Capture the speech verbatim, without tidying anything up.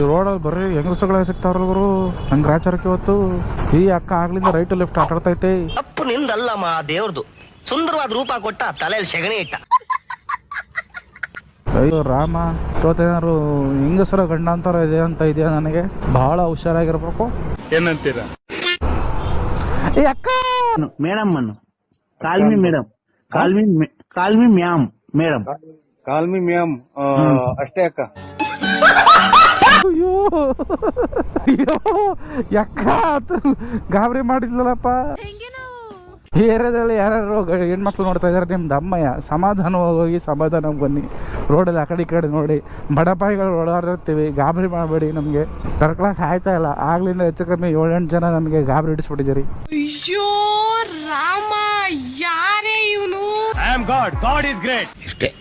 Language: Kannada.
ರೋಡಲ್ಲಿ ಬರೀ ಹೆಂಗಸಗಳೇ ಸಿಗ್ತಾವ್ರ ಗುರು. ನಂಗೆ ರಾಚಾರಕ್ಕೆ ಇವತ್ತು ಈ ಅಕ್ಕ ಆಗ್ಲಿಂದ ರೈಟ್ ಲೆಫ್ಟ್ ಆಟಾಡ್ತೈತೆ. ತಪ್ಪು ನಿಂದಲ್ಲಮ್ಮ, ದೇವ್ರದು. ಸುಂದರವಾದ ರೂಪ ಕೊಟ್ಟ, ತಲೆಯಲ್ಲಿ ಸೆಗಣಿ ಇಟ್ಟ. ಅಯ್ಯೋ ರಾಮ, ಇವತ್ತೇನಾದ್ರು ಹೆಂಗಸರ ಗಂಡ ಅಂತಾರ ಇದೆ ಅಂತ ಇದೆಯಾ ನನಗೆ. ಬಹಳ ಹುಷಾರಾಗಿರ್ಬೇಕು. ಏನಂತೀರಾ? ಏ ಅಕ್ಕ, ಮೇಡಮ್ ಅನ್ನು call me madam, call me call me ma'am madam, call me ma'am ಅಷ್ಟೇ ಅಕ್ಕ. ಅಯ್ಯೋ ಅಯ್ಯೋ ಅಕ್ಕ, ಗಾಬರಿ ಮಾಡಿದ್ಲಲ್ಲಪ್ಪ. ಈ ಏರಿಯಾದಲ್ಲಿ ಯಾರ್ಯಾರು ಹೆಣ್ಮಕ್ಳು ನೋಡ್ತಾ ಇದಾರೆ, ನಿಮ್ದು ಅಮ್ಮಯ್ಯ. ಸಮಾಧಾನವಾಗಿ ಹೋಗಿ ಸಮಾಧಾನ ಬನ್ನಿ. ರೋಡಲ್ಲಿ ಆ ಕಡೆ ಈ ಕಡೆ ನೋಡಿ, ಬಡಪಾಯಿಗಳು ಓಡಾಡಿರ್ತೀವಿ. ಗಾಬರಿ ಮಾಡಬೇಡಿ. ನಮಗೆ ತರ್ಕೊಳಕ್ ಆಯ್ತಾ ಇಲ್ಲ. ಆಗ್ಲಿಂದ ಹೆಚ್ಚು ಕಮ್ಮಿ ಏಳೆಂಟು ಜನ ನಮಗೆ ಗಾಬರಿ ಹಿಡಿಸ್ಬಿಟ್ಟಿದ್ದೀರಿ. ಅಯ್ಯೋ ರಾಮ, ಯಾರೇ ಇವನು? I am God, God is great. ಇಷ್ಟೇ.